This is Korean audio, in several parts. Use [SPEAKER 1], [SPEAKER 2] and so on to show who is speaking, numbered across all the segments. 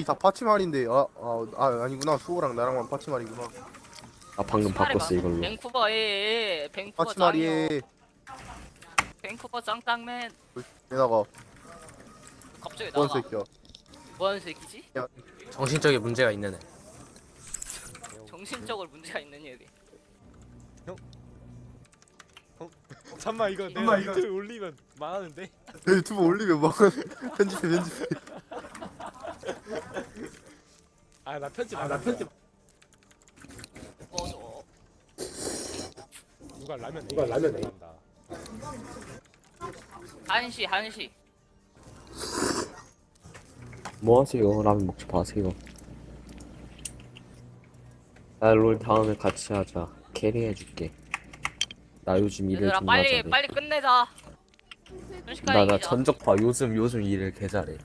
[SPEAKER 1] 다 파치말인데 아니구나. 수호랑 나랑만 파치말이구나.
[SPEAKER 2] 아 방금 바꿨어 이걸로.
[SPEAKER 3] 밴쿠버에 밴쿠버 짱이요.
[SPEAKER 1] 파치말이에
[SPEAKER 3] 밴쿠버 짱짱맨.
[SPEAKER 1] 내다가
[SPEAKER 3] 갑자기
[SPEAKER 1] 뭔
[SPEAKER 3] 나가.
[SPEAKER 1] 새끼야.
[SPEAKER 3] 뭐하는 새끼지?
[SPEAKER 4] 정신적인 문제가 있는 애.
[SPEAKER 3] 정신적으로 문제가 있는 얘기.
[SPEAKER 5] 잠만 이거 내가 유튜브에 올리면 망하는데.
[SPEAKER 1] 유튜브 올리면 막 편집해.
[SPEAKER 5] 아 나 편집 안 편집.
[SPEAKER 3] 꺼져.
[SPEAKER 5] 누가 라면 한다.
[SPEAKER 3] 한시.
[SPEAKER 2] 뭐 하세요? 라면 먹지 마세요. 나 롤 다음에 같이 하자. 캐리해줄게. 나 요즘 일을
[SPEAKER 3] 얘들아
[SPEAKER 2] 존나 잘해.
[SPEAKER 3] 빨리 끝내자. 순식간에
[SPEAKER 2] 나
[SPEAKER 3] 이기자.
[SPEAKER 2] 전적파 요즘 일을 개 잘해.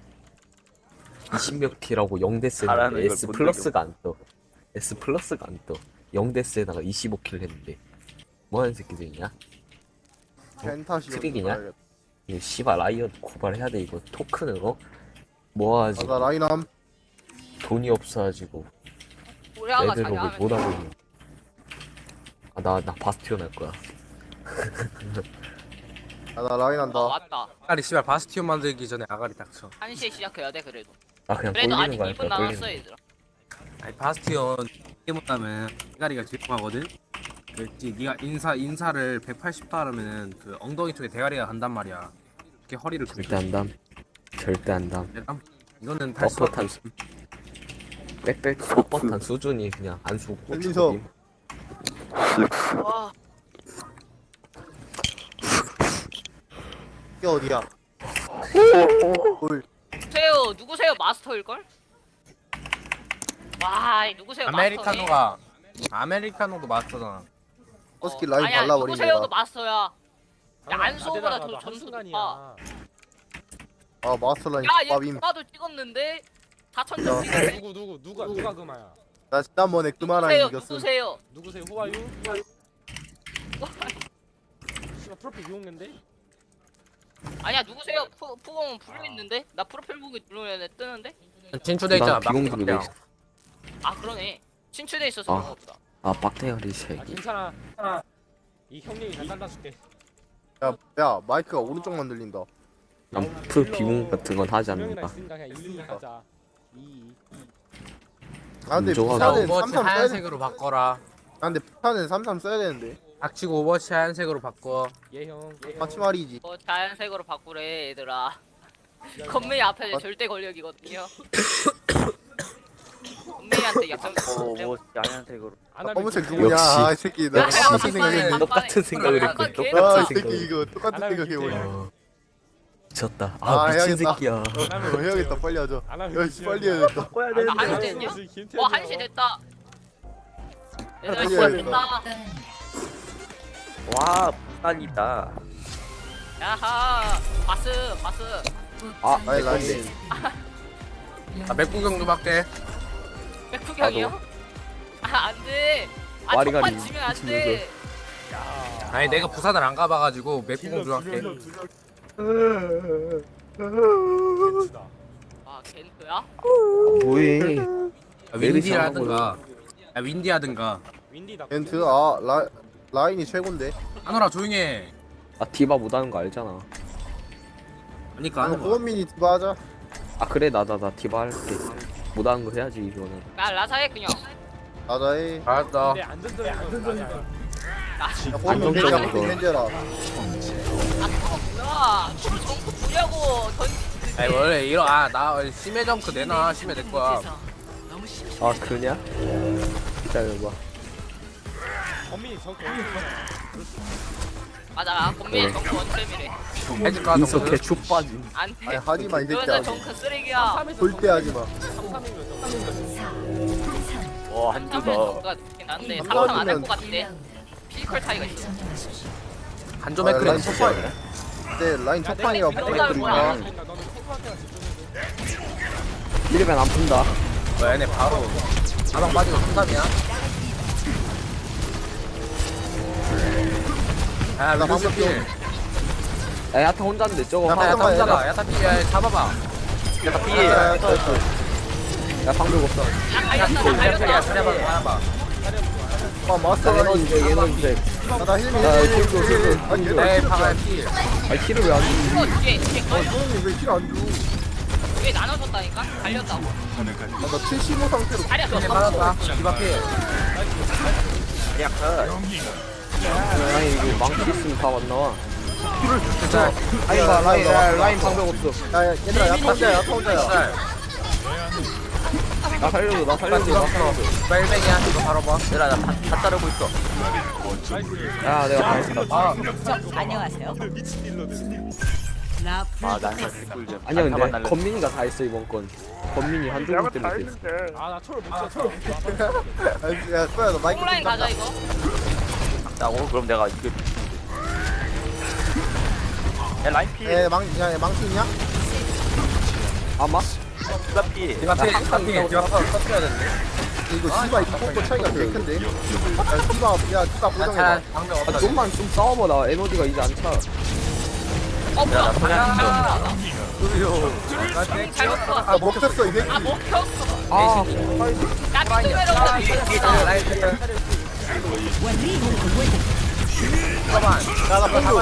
[SPEAKER 2] 20몇 킬하고 0데스에
[SPEAKER 6] 잘하는 걸
[SPEAKER 2] S
[SPEAKER 6] 본
[SPEAKER 2] 플러스가 안 떠. S 플러스가 안 떠. 0데스에다가 25킬 했는데 뭐 하는 새끼들이냐?
[SPEAKER 1] 펜타시.
[SPEAKER 2] 트릭이냐? 이거 씨발 라이엇 고발해야 돼 이거. 토큰으로 모아가지고
[SPEAKER 1] 나 라인함.
[SPEAKER 2] 돈이 없어가지고
[SPEAKER 3] 우리아가 자기
[SPEAKER 2] 레드록을
[SPEAKER 3] 하면
[SPEAKER 2] 못하고 있는. 나 바스티온 할 거야.
[SPEAKER 1] 나 라인한다.
[SPEAKER 3] 맞다.
[SPEAKER 4] 아가리 씨발 바스티온 만들기 전에 아가리 닥쳐.
[SPEAKER 3] 한시에 시작해야 돼 그래도.
[SPEAKER 2] 나 그냥
[SPEAKER 3] 그래도
[SPEAKER 2] 돌리는
[SPEAKER 3] 아직
[SPEAKER 2] 거 할
[SPEAKER 3] 2분
[SPEAKER 2] 거야.
[SPEAKER 3] 남았어
[SPEAKER 2] 돌리는
[SPEAKER 3] 얘들아.
[SPEAKER 4] 아니 바스티온 이게 뭐냐면 아가리가 질투하거든. 그랬지. 네가 인사를 180도 하려면은 그 엉덩이 쪽에 대가리가 간단 말이야. 이렇게 허리를
[SPEAKER 2] 거. 절대 안 담. 절대 안 담.
[SPEAKER 4] 내가 이거는 탈 수 없다.
[SPEAKER 2] 뻣뻣한 빽빽 뻣뻣한 수준이 그냥 안 수고
[SPEAKER 1] 현민석.
[SPEAKER 3] 와.
[SPEAKER 1] 이게 어디야? 뭘?
[SPEAKER 3] 누구세요? 마스터일 걸? 와, 누구세요?
[SPEAKER 4] 아메리카노도 마스터잖아.
[SPEAKER 1] 허스키 라인
[SPEAKER 3] 아니야,
[SPEAKER 1] 발라버린
[SPEAKER 3] 누구세요도
[SPEAKER 1] 거다.
[SPEAKER 3] 마스터야. 야, 안소보다 더
[SPEAKER 5] 한
[SPEAKER 3] 점수
[SPEAKER 5] 순간이야.
[SPEAKER 3] 높아.
[SPEAKER 1] 아 마스터 라인
[SPEAKER 3] 야, 얘
[SPEAKER 1] 밥임.
[SPEAKER 3] 누가도 찍었는데 4,000점 찍었네.
[SPEAKER 5] 누가 금아야?
[SPEAKER 1] 나 지난번에 그만한 이겼음.
[SPEAKER 3] 누구세요?
[SPEAKER 5] 누구세요? 후아유? 씨발 프로필 이용인데?
[SPEAKER 3] 아니야, 누구세요? 푸공은 불려있는데? 나 프로필 보기 누르면 뜨는데?
[SPEAKER 4] 진출돼 있잖아.
[SPEAKER 2] 난 비공들이 돼 있어.
[SPEAKER 3] 아, 그러네. 친추돼 있어서
[SPEAKER 2] 아.
[SPEAKER 3] 그런가 보다.
[SPEAKER 2] 아 빡대가리
[SPEAKER 5] 아
[SPEAKER 2] 새끼.
[SPEAKER 5] 괜찮아. 이 형님이 다 잘라줄게.
[SPEAKER 1] 야 마이크가 오른쪽만 들린다.
[SPEAKER 2] 난풀 비공 같은 건 하지
[SPEAKER 5] 형이랑
[SPEAKER 2] 않는다.
[SPEAKER 5] 있으니까 그냥 2 하자. 2.
[SPEAKER 1] 아 근데
[SPEAKER 2] 인정하다.
[SPEAKER 1] 부산은
[SPEAKER 4] 오버워치
[SPEAKER 1] 33 써야 돼.
[SPEAKER 4] 하얀색으로 바꿔라.
[SPEAKER 1] 아 근데 부산은 33 써야 되는데.
[SPEAKER 4] 닥치고 오버워치 하얀색으로 바꿔.
[SPEAKER 5] 예 형.
[SPEAKER 1] 파치말이지.
[SPEAKER 3] 자연색으로 바꾸래, 얘들아. 건메이 앞에 절대 권력이거든요. 건메이한테 약점.
[SPEAKER 6] 뭐 하얀색으로.
[SPEAKER 5] 안 하면
[SPEAKER 1] 검은색
[SPEAKER 5] 그냥
[SPEAKER 1] 누구냐?
[SPEAKER 2] 역시.
[SPEAKER 1] 아 이 새끼 나
[SPEAKER 3] 역시.
[SPEAKER 1] 똑같은 생각했는데.
[SPEAKER 2] 똑같은 생각을
[SPEAKER 3] 약간
[SPEAKER 2] 했고
[SPEAKER 3] 걔-
[SPEAKER 1] 아
[SPEAKER 2] 똑같은
[SPEAKER 1] 이 새끼
[SPEAKER 2] 생각을.
[SPEAKER 1] 이거 똑같은
[SPEAKER 5] 안 하면
[SPEAKER 1] 생각해버려.
[SPEAKER 2] 어, 미쳤다.
[SPEAKER 1] 아,
[SPEAKER 2] 아 미친
[SPEAKER 1] 해야겠다.
[SPEAKER 2] 새끼야.
[SPEAKER 1] 해야겠다 빨리 하자.
[SPEAKER 5] 안 하면
[SPEAKER 1] 야 씨, 빨리 해야겠다.
[SPEAKER 6] 꺼야
[SPEAKER 3] 나 한시 됐냐? 와, 한시 됐다. 얘들아,
[SPEAKER 1] 빨리
[SPEAKER 3] 시간
[SPEAKER 1] 해야겠다.
[SPEAKER 3] 됐다.
[SPEAKER 6] 와 부산이다.
[SPEAKER 3] 야하. 바스.
[SPEAKER 1] 아니 라인.
[SPEAKER 4] 나 맥구경 좀 할게.
[SPEAKER 3] 백후경이요? 아, 안 돼. 아,
[SPEAKER 2] 와리가리
[SPEAKER 3] 첫판 지면 안 돼.
[SPEAKER 4] 아니 내가 부산을 안 가봐가지고 맥구경 좀 할게.
[SPEAKER 5] 겐츠다.
[SPEAKER 3] 아, 겐트야?
[SPEAKER 2] 뭐해?
[SPEAKER 4] 윈디하든가. 윈디하든가.
[SPEAKER 5] 윈디다.
[SPEAKER 1] 벤트 라인이 최고인데.
[SPEAKER 4] 하노라 조용해.
[SPEAKER 2] 아 디바 못하는 거 알잖아.
[SPEAKER 4] 그러니까
[SPEAKER 1] 아
[SPEAKER 4] 하는 거야.
[SPEAKER 1] 호원민이 디바 하자.
[SPEAKER 2] 아 그래 나 디바 할게. 못하는 거 해야지 이거는.
[SPEAKER 3] 나 라사해 그냥.
[SPEAKER 1] 나자해.
[SPEAKER 4] 알았어.
[SPEAKER 5] 근데 안전적인 건
[SPEAKER 3] 나
[SPEAKER 1] 야 호원민
[SPEAKER 2] 안정적인
[SPEAKER 1] 벤지야
[SPEAKER 2] 거.
[SPEAKER 1] 벤지라.
[SPEAKER 3] 뭐야? 정크 부려고
[SPEAKER 4] 아니 원래 이런 나 심해 정크 내놔. 심해 내 거야.
[SPEAKER 2] 아 그러냐? 기다려봐.
[SPEAKER 5] 범민이 저거
[SPEAKER 3] 맞아. 건미의 정크 원템이래.
[SPEAKER 4] 해줄까
[SPEAKER 2] 인석
[SPEAKER 4] 정크?
[SPEAKER 2] 개축 빠진.
[SPEAKER 3] 안 돼.
[SPEAKER 1] 아니 하지마 이
[SPEAKER 3] 그러면
[SPEAKER 1] 새끼야.
[SPEAKER 3] 정크 쓰레기야.
[SPEAKER 1] 절대 하지마.
[SPEAKER 6] 와
[SPEAKER 3] 삼삼은
[SPEAKER 6] 한주다.
[SPEAKER 3] 정크가 좋긴 한데
[SPEAKER 1] 한
[SPEAKER 3] 삼삼 안할
[SPEAKER 1] 번이면-
[SPEAKER 3] 것 같대. 피지컬 차이가 있어.
[SPEAKER 4] 한조
[SPEAKER 1] 아,
[SPEAKER 4] 맥크는
[SPEAKER 1] 라인
[SPEAKER 4] 진짜.
[SPEAKER 1] 첫판이야. 네 라인 첫판이라
[SPEAKER 3] 내가
[SPEAKER 1] 부탁 드립니다.
[SPEAKER 5] 너는 탱크한테만 집중해줘.
[SPEAKER 2] 이러면 안 푼다.
[SPEAKER 4] 얘네 바로 가방 빠지고 상담이야. 야
[SPEAKER 1] 나
[SPEAKER 4] 루스
[SPEAKER 1] 방금
[SPEAKER 4] 필.
[SPEAKER 2] 야 야타 혼자인데 저거.
[SPEAKER 1] 야,
[SPEAKER 4] 야타
[SPEAKER 1] 잠깐만,
[SPEAKER 4] 혼자다. 야타 필. 야 잡아봐.
[SPEAKER 6] 야다
[SPEAKER 1] 아,
[SPEAKER 6] 피해.
[SPEAKER 2] 야 방벽 없어.
[SPEAKER 3] 야 갈렸다.
[SPEAKER 4] 잘해봐.
[SPEAKER 1] 아 마스터가
[SPEAKER 2] 에너지 제 에너지 제.
[SPEAKER 1] 나 힐미
[SPEAKER 2] 나
[SPEAKER 1] 힐미
[SPEAKER 2] 힐도,
[SPEAKER 1] 힐미
[SPEAKER 2] 힐도.
[SPEAKER 1] 아니
[SPEAKER 4] 에이
[SPEAKER 1] 얘는
[SPEAKER 4] 방아 필.
[SPEAKER 2] 아 킬을 왜 안 줘?
[SPEAKER 3] 이거 뒤에 걸려.
[SPEAKER 1] 소영이 왜힐안 줘?
[SPEAKER 3] 뒤에 나눠줬다니까. 갈렸다고.
[SPEAKER 1] 나 75 상태로
[SPEAKER 3] 자리야
[SPEAKER 4] 이제
[SPEAKER 3] 줬어.
[SPEAKER 4] 맞았다. 디바 필.
[SPEAKER 6] 그냥 컷.
[SPEAKER 2] 아니 이거 망치 있으면 다 안 나와.
[SPEAKER 4] 짤.
[SPEAKER 2] 아니 봐 라인 방벽 없어.
[SPEAKER 1] 야 얘들아 야타 혼자야
[SPEAKER 4] 짤.
[SPEAKER 2] 나 살려줘 나
[SPEAKER 4] 디바
[SPEAKER 2] 살려줘.
[SPEAKER 4] 디바 풀어. 디바 1뱅이야. 이거 바로 봐.
[SPEAKER 6] 얘들아 나다 자르고 있어.
[SPEAKER 2] 야 내가 다 했다.
[SPEAKER 7] 안녕하세요.
[SPEAKER 5] 미친 딜러들.
[SPEAKER 6] 아난 사실 꿀잼.
[SPEAKER 2] 아니야 근데 건민이가 다 했어 이번 건. 건민이 한조국 때문에 됐어.
[SPEAKER 5] 아나 초를 못 쳐. 초를 못 쳐.
[SPEAKER 1] 야 소야 너 마이크
[SPEAKER 3] 홈라인
[SPEAKER 1] 좀
[SPEAKER 3] 가자
[SPEAKER 1] 닦아.
[SPEAKER 3] 이거.
[SPEAKER 6] 오 그럼 내가 이거. 야 라인 피.
[SPEAKER 1] 야 망치 있냐?
[SPEAKER 2] 아마?
[SPEAKER 6] 디바 피.
[SPEAKER 4] 디바 필. 디바 필. 디바 터트려야 되는데.
[SPEAKER 1] 이거 디바 이거 차이가 되게 큰데? 야 디바 고정해봐
[SPEAKER 4] 자 방벽
[SPEAKER 2] 아
[SPEAKER 4] 없다.
[SPEAKER 2] 좀만 좀 싸워봐 나 에너지가 이제 안 차.
[SPEAKER 3] 어 뭐야?
[SPEAKER 6] 나 그냥
[SPEAKER 3] 잘못 봐.
[SPEAKER 1] 아 먹혔어 이 새끼
[SPEAKER 3] 아 먹혔어.
[SPEAKER 2] 아
[SPEAKER 3] 나 투베로다.
[SPEAKER 4] 라인 필. 잠깐만.
[SPEAKER 1] 야나 방금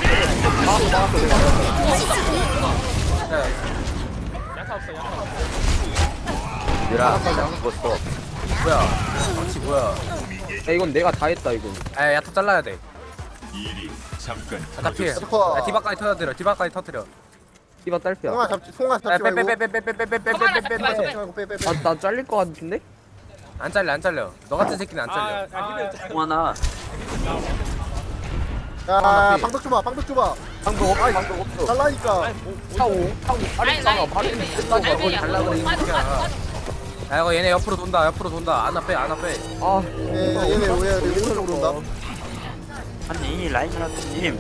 [SPEAKER 5] 야타 없어 야타 없어.
[SPEAKER 6] 얘들아 죽었어.
[SPEAKER 4] 뭐야? 혹시 뭐야?
[SPEAKER 2] 야, 이건 내가 다 했다 이건.
[SPEAKER 4] 에 야타 잘라야 돼. 야타 필.
[SPEAKER 1] 스코어.
[SPEAKER 4] 야, 디바까지 터뜨려. 디바까지 터뜨려.
[SPEAKER 2] 이봐 딸피야.
[SPEAKER 1] 송아 잡지 송아 잡지 말고
[SPEAKER 4] 빼빼빼빼빼빼빼빼빼빼빼빼빼.
[SPEAKER 2] 나 잘릴 것 같은데?
[SPEAKER 4] 안 잘려 안 잘려. 너 같은 새끼는 안 잘려.
[SPEAKER 5] 아 힐을 짜.
[SPEAKER 6] 동하나.
[SPEAKER 1] 야 방독 줘봐 방독 줘봐
[SPEAKER 2] 방법 없어 방법 없어.
[SPEAKER 1] 달라니까
[SPEAKER 2] 타고 아래
[SPEAKER 3] 라인
[SPEAKER 2] 있잖아
[SPEAKER 3] 라인.
[SPEAKER 2] 바로
[SPEAKER 3] 라인,
[SPEAKER 2] 끝나고
[SPEAKER 3] 라인,
[SPEAKER 2] 거기
[SPEAKER 3] 라인.
[SPEAKER 4] 달라 그래, 이
[SPEAKER 3] 빠져,
[SPEAKER 4] 새끼야.
[SPEAKER 3] 빠져, 빠져.
[SPEAKER 4] 야 이거 얘네 옆으로 돈다. 옆으로 돈다. 안아 빼 안아 빼.
[SPEAKER 2] 아
[SPEAKER 1] 얘네 왜 오른쪽으로 온다
[SPEAKER 6] 아니 라인이라님.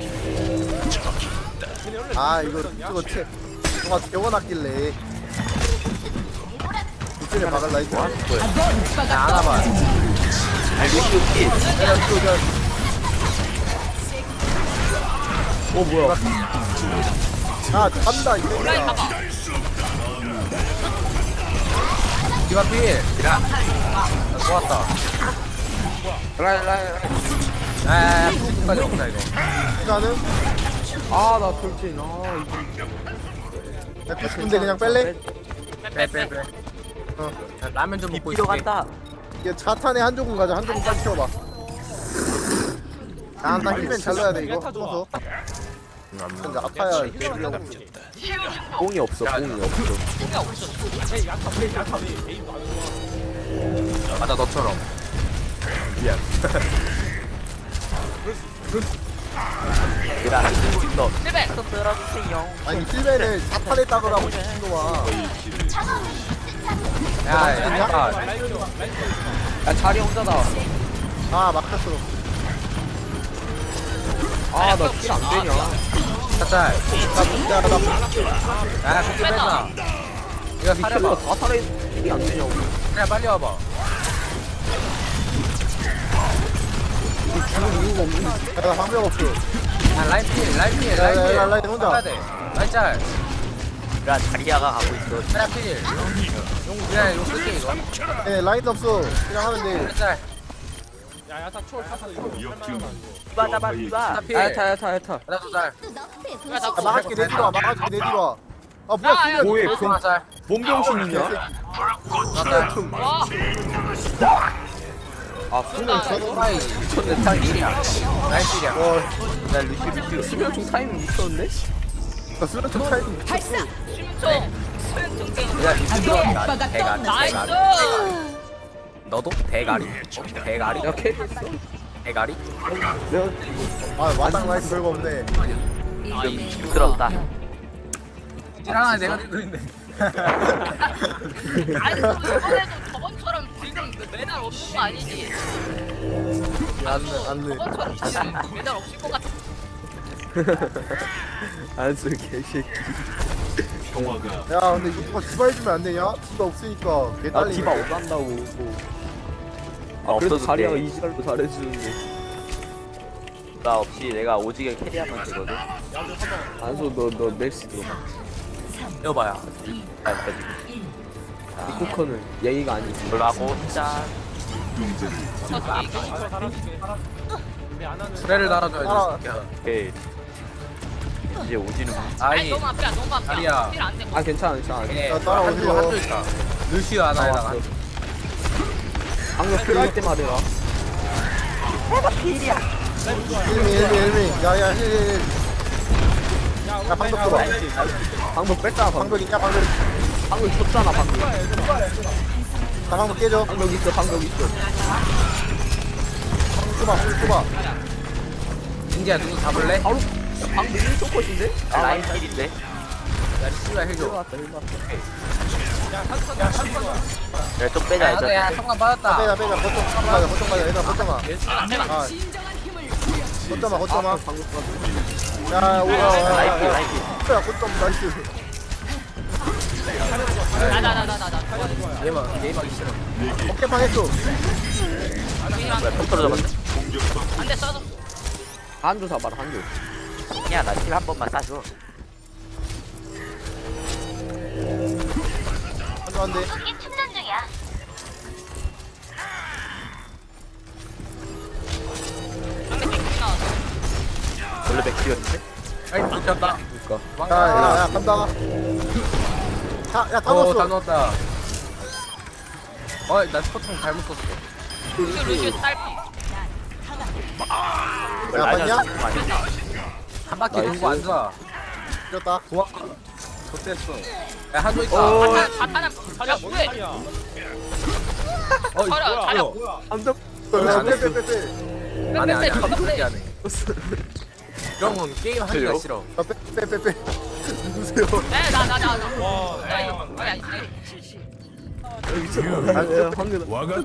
[SPEAKER 1] 아 이거 채 송아 재워놨길래 이쪽에 박을라 이거
[SPEAKER 4] 야 안아 봐.
[SPEAKER 6] 아 루시오 피.
[SPEAKER 2] 어 뭐야?
[SPEAKER 1] 아 간다 이
[SPEAKER 3] 라인
[SPEAKER 1] 새끼야
[SPEAKER 3] 가봐.
[SPEAKER 4] 디바 필. 좋았다.
[SPEAKER 2] 라인.
[SPEAKER 4] 야야야 까지 없다 이거.
[SPEAKER 1] 나는
[SPEAKER 2] 아나 돌진. 아
[SPEAKER 1] 근데 그냥 뺄래?
[SPEAKER 4] 빼빼빼.
[SPEAKER 1] 어.
[SPEAKER 4] 라면 좀 먹고
[SPEAKER 6] 피로
[SPEAKER 4] 있을게.
[SPEAKER 6] 간다.
[SPEAKER 1] 이게 자탄에 한 조금 가자 한 조금 빨리 채워봐 아나 힐맨 잘 넣어야 돼 이거
[SPEAKER 5] 야타 좋아.
[SPEAKER 1] 숨어서 근데 아파야
[SPEAKER 2] 뽕이 없어 뽕이 없어.
[SPEAKER 5] 에이 야타 왜 에임도 안 좋아.
[SPEAKER 4] 맞아 너처럼.
[SPEAKER 6] 얘들아 쓰고 있어.
[SPEAKER 3] 힐백.
[SPEAKER 6] 들어주세요.
[SPEAKER 1] 아니 힐맨을 자탄에 따으라고 미친놈아
[SPEAKER 4] 야야
[SPEAKER 2] 야 자리 혼자다.
[SPEAKER 1] 아 막혔어
[SPEAKER 2] 아나킬안 되냐?
[SPEAKER 4] 짤.
[SPEAKER 1] 야나
[SPEAKER 4] 야 그렇게 뺀다. 이거
[SPEAKER 2] 킬러
[SPEAKER 4] 사려봐.
[SPEAKER 2] 다 살아 이게 안 되냐고.
[SPEAKER 4] 그냥 빨리 와봐.
[SPEAKER 2] 죽을 이유가 없는.
[SPEAKER 1] 나 방법 없어
[SPEAKER 4] 야 라인 필
[SPEAKER 1] 라인 혼자.
[SPEAKER 4] 해야 돼. 라인 짤.
[SPEAKER 6] 얘들아 자리아가 가고 있어.
[SPEAKER 4] 라인 필. 그냥 이거 쓸게 이거.
[SPEAKER 1] 예 라인 없어 그냥 하면 돼
[SPEAKER 4] 라인 짤.
[SPEAKER 5] 야 야타 초를 타서 이거 할만하면
[SPEAKER 6] 디바 잡아 디바.
[SPEAKER 4] 필.
[SPEAKER 2] 야타.
[SPEAKER 4] 나도 짤.
[SPEAKER 1] 아, 막아줄게 내 뒤로 와 막아줄게 내 뒤로 와아 뭐야
[SPEAKER 3] 야, 야,
[SPEAKER 1] 힐맨
[SPEAKER 2] 뭐해
[SPEAKER 4] 하나 짤.
[SPEAKER 2] 몸병신이냐?
[SPEAKER 4] 나 짤.
[SPEAKER 3] 와.
[SPEAKER 2] 아 수면
[SPEAKER 4] 소바이.
[SPEAKER 2] 미쳤네 타이밍.
[SPEAKER 4] 라인 필이야.
[SPEAKER 6] 나 루시오.
[SPEAKER 2] 수면 중 타이밍 미쳤는데?
[SPEAKER 1] 나 수련 좀 차이 좀
[SPEAKER 3] 심총. 승승승.
[SPEAKER 4] 야 루시 들어간다. 대가리.
[SPEAKER 3] 나이스.
[SPEAKER 4] 대가리. 너도 대가리. 대가리.
[SPEAKER 2] 야 캐릭터.
[SPEAKER 4] 대가리.
[SPEAKER 1] 아 마당 라인 별거 없네
[SPEAKER 6] 힘들었다.
[SPEAKER 4] 하나 내가 들고 있네.
[SPEAKER 3] 아니 이번에도 저번처럼 지금 메달 없는 거 아니지?
[SPEAKER 1] 안돼
[SPEAKER 3] 저번처럼 지금 메달 없을 것 같아.
[SPEAKER 2] 안쓰 개새끼.
[SPEAKER 1] 야 근데 이거 누가 디바 해주면 안 되냐? 디바 없으니까 개
[SPEAKER 2] 나
[SPEAKER 1] 딸리네
[SPEAKER 2] 디바 못 간다고. 아 그래도
[SPEAKER 6] 없어도
[SPEAKER 2] 자리아가
[SPEAKER 6] 돼.
[SPEAKER 2] 이지랄도 잘해주는데.
[SPEAKER 6] 나 없이 내가 오지게 캐리하면 되거든.
[SPEAKER 2] 안소 너 멜시 들어봐.
[SPEAKER 4] 여봐야.
[SPEAKER 6] 아, 여기까지.
[SPEAKER 2] 이코커는 예의가 아니지.
[SPEAKER 6] 이걸로 하고 짠.
[SPEAKER 3] 어차피 이거
[SPEAKER 5] 저 달아줄게. 근데 안 하는.
[SPEAKER 4] 수레를 달아줘야
[SPEAKER 1] 따라.
[SPEAKER 4] 돼. 새끼야.
[SPEAKER 6] 오케이. 이제 오지는
[SPEAKER 3] 아니
[SPEAKER 4] 아니
[SPEAKER 3] 너무 앞이야 너무 앞이야
[SPEAKER 4] 다리야.
[SPEAKER 3] 힐안 돼.
[SPEAKER 2] 아 괜찮아 괜찮아.
[SPEAKER 4] 예,
[SPEAKER 1] 자, 따라오세요.
[SPEAKER 4] 한조 있다. 루시오 하나에다가
[SPEAKER 2] 나왔어. 방금 필요할 때 말해라.
[SPEAKER 1] 일미 야야 힐 야 방벽 줘봐
[SPEAKER 2] 방금 뺐잖아 방금.
[SPEAKER 1] 방벽 있냐 방벽
[SPEAKER 2] 방금 쳤잖아 방금.
[SPEAKER 1] 나 방벽 깨줘
[SPEAKER 2] 방금 있어 방금 있어.
[SPEAKER 1] 줘봐
[SPEAKER 4] 인지야 누구 잡을래?
[SPEAKER 2] 바로 방금 1초 컷인데?
[SPEAKER 6] 라인 킬인데.
[SPEAKER 4] 야 씨발 해줘.
[SPEAKER 2] 들어왔다 일어났어.
[SPEAKER 6] 야좀 빼자 일단.
[SPEAKER 4] 야 성관 받았다.
[SPEAKER 1] 빼자 거점 가자 얘들아 거점 가 아, 거점아
[SPEAKER 2] 방금
[SPEAKER 1] 야 오라
[SPEAKER 6] 라인 킬 라인 킬.
[SPEAKER 1] 야 거점 나이스
[SPEAKER 3] 나나나나나
[SPEAKER 4] 얘만 싫어.
[SPEAKER 1] 어깨만 했어
[SPEAKER 6] 뭐야 턱 떨어져 봤네.
[SPEAKER 3] 안돼 써줘.
[SPEAKER 2] 한조 잡아라 한조.
[SPEAKER 6] 야 나 킬 한 번만 쏴줘.
[SPEAKER 1] 안돼
[SPEAKER 3] 상대 킥 나왔어.
[SPEAKER 6] 원래 맥키였는데.
[SPEAKER 4] 아이 붙였다.
[SPEAKER 2] 그러니까
[SPEAKER 1] 야야야 간다 야다
[SPEAKER 4] 다
[SPEAKER 1] 넣었어
[SPEAKER 4] 넣었다. 나 스포통 잘못 썼어.
[SPEAKER 3] 루시오 딸피.
[SPEAKER 1] 야 봤냐?
[SPEAKER 4] 한 바퀴 돌고 앉아.
[SPEAKER 1] 이겼다
[SPEAKER 4] 고마. 좋댔어. 야 한조 있다.
[SPEAKER 3] 자탄은 자리야 뭐해?
[SPEAKER 5] 아니야.
[SPEAKER 3] 자리야 자리야.
[SPEAKER 2] 한조
[SPEAKER 1] 빼빼빼빼
[SPEAKER 4] 안해 안해
[SPEAKER 3] 빼빼,
[SPEAKER 4] 그렇게 안해. 이런 건 게임 하기가 싫어.
[SPEAKER 1] 빼빼빼 누구세요?
[SPEAKER 3] 네나나나
[SPEAKER 5] 와.
[SPEAKER 3] 나 이거 아니
[SPEAKER 2] 아 방금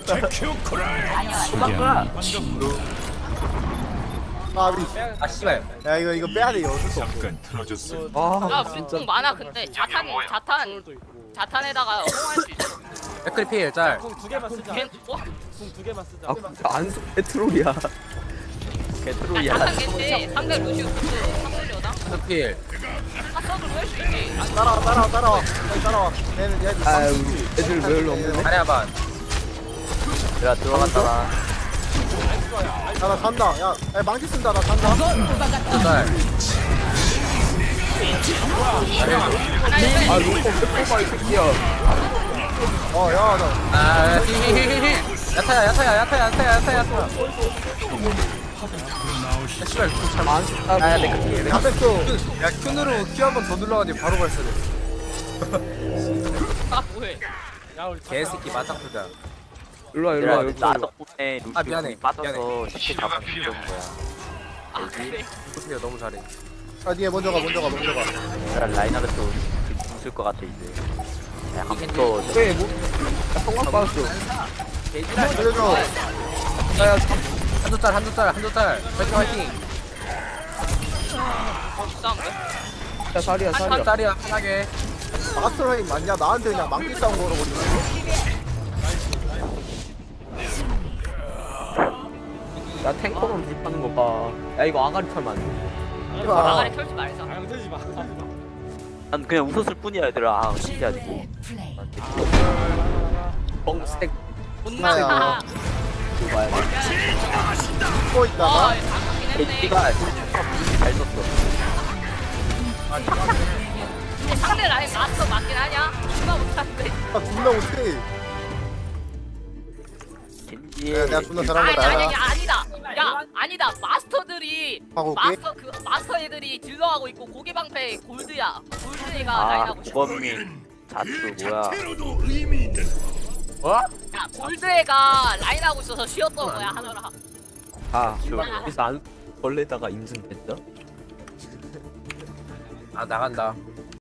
[SPEAKER 1] 아비
[SPEAKER 4] 아 씨발.
[SPEAKER 1] 야 이거 빼야 돼 이거 어쩔 수 없어
[SPEAKER 3] 야
[SPEAKER 2] 아
[SPEAKER 3] 우리
[SPEAKER 2] 진짜
[SPEAKER 3] 공 많아 근데
[SPEAKER 5] 도 있고.
[SPEAKER 3] 자탄에다가 호응할 수 있어.
[SPEAKER 4] 백크리필 짤.
[SPEAKER 5] 궁두 개만 쓰자.
[SPEAKER 3] 걔 어?
[SPEAKER 5] 궁두 개만 쓰자.
[SPEAKER 2] 안소 페트롤이야.
[SPEAKER 6] 개트로이야.
[SPEAKER 3] 자탄 겐지 상대 루시오 상대려다.
[SPEAKER 4] 백크리필.
[SPEAKER 3] 핫서도 할수 있지.
[SPEAKER 1] 따라와 빨리 따라와 얘는
[SPEAKER 2] 아 우리 애들 왜 일로 없는데?
[SPEAKER 4] 다리 한번.
[SPEAKER 6] 내가 들어갔다가.
[SPEAKER 1] 야나 잔다 야 망치 쓴다 나 잔다
[SPEAKER 4] 한조 짤.
[SPEAKER 3] 하나 있어.
[SPEAKER 2] 아 로커 페트롤 이 새끼야.
[SPEAKER 1] 어야나
[SPEAKER 4] 아 히히히히. 야타야. 야 씨발 잘
[SPEAKER 2] 안 썼다.
[SPEAKER 4] 아, 내가
[SPEAKER 1] 다 뺐어
[SPEAKER 4] 야 큐으로 큐 한 번 더 눌러가지고 바로 발사돼.
[SPEAKER 3] 아 뭐해?
[SPEAKER 5] 야 우리
[SPEAKER 4] 개새끼 맞짱 자.
[SPEAKER 2] 일로 와 일로
[SPEAKER 6] 얘들아
[SPEAKER 2] 와
[SPEAKER 6] 나
[SPEAKER 2] 일로 와.
[SPEAKER 6] 덕분에
[SPEAKER 4] 아,
[SPEAKER 6] 루시오
[SPEAKER 4] 미안해.
[SPEAKER 6] 궁이 빠져서 쉽게 잡을 수 있는 거야.
[SPEAKER 3] 아 그래?
[SPEAKER 4] 보세요 너무 잘해.
[SPEAKER 1] 아 니가 먼저 가
[SPEAKER 6] 내가 라인하르트 웃을 것 같아 이제. 약간 또
[SPEAKER 2] 왜 뭐? 야 성광 빠졌어.
[SPEAKER 1] 살려줘
[SPEAKER 2] 야야
[SPEAKER 4] 한조 짤. 화이팅.
[SPEAKER 3] 싸움돼?
[SPEAKER 2] 야 살이야
[SPEAKER 4] 한
[SPEAKER 2] 살이야.
[SPEAKER 4] 짤이야 편하게.
[SPEAKER 1] 마스터라인 맞냐 나한테 그냥 망치 싸움 걸어버리네
[SPEAKER 2] 야 탱커만 불파는 거 봐. 야 이거 아가리 털면 안 돼.
[SPEAKER 1] 이봐
[SPEAKER 3] 나가리 털지 말자.
[SPEAKER 5] 아 형 틀지 마.
[SPEAKER 6] 난 그냥 웃었을 뿐이야 얘들아. 아 신기하지.
[SPEAKER 2] 뻥스택
[SPEAKER 3] 존나.
[SPEAKER 2] 이거 봐야 돼.
[SPEAKER 1] 숨고
[SPEAKER 3] 와
[SPEAKER 1] 있다가
[SPEAKER 3] 장난긴 했네.
[SPEAKER 6] 에이티가 잘 썼어.
[SPEAKER 3] 근데 상대 라인 마스터 맞긴 하냐? 존나 못하는데.
[SPEAKER 1] 아 존나 못해
[SPEAKER 6] 겐지.
[SPEAKER 1] 야, 내가 존나 잘한
[SPEAKER 3] 아니
[SPEAKER 1] 거다
[SPEAKER 3] 아니 아니다. 야 아니다. 마스터들이
[SPEAKER 1] 하고 올게
[SPEAKER 3] 마스터 애들이 딜러하고 있고 고개 방패 골드야. 골드가
[SPEAKER 6] 아
[SPEAKER 3] 라인하고 있어.
[SPEAKER 6] 고범민 자투 뭐야?
[SPEAKER 3] 야 골드애가 라인하고 있어서 쉬었던 거야 하느라.
[SPEAKER 2] 아 여기서 안 벌레다가 인증됐다.
[SPEAKER 4] 아 나간다.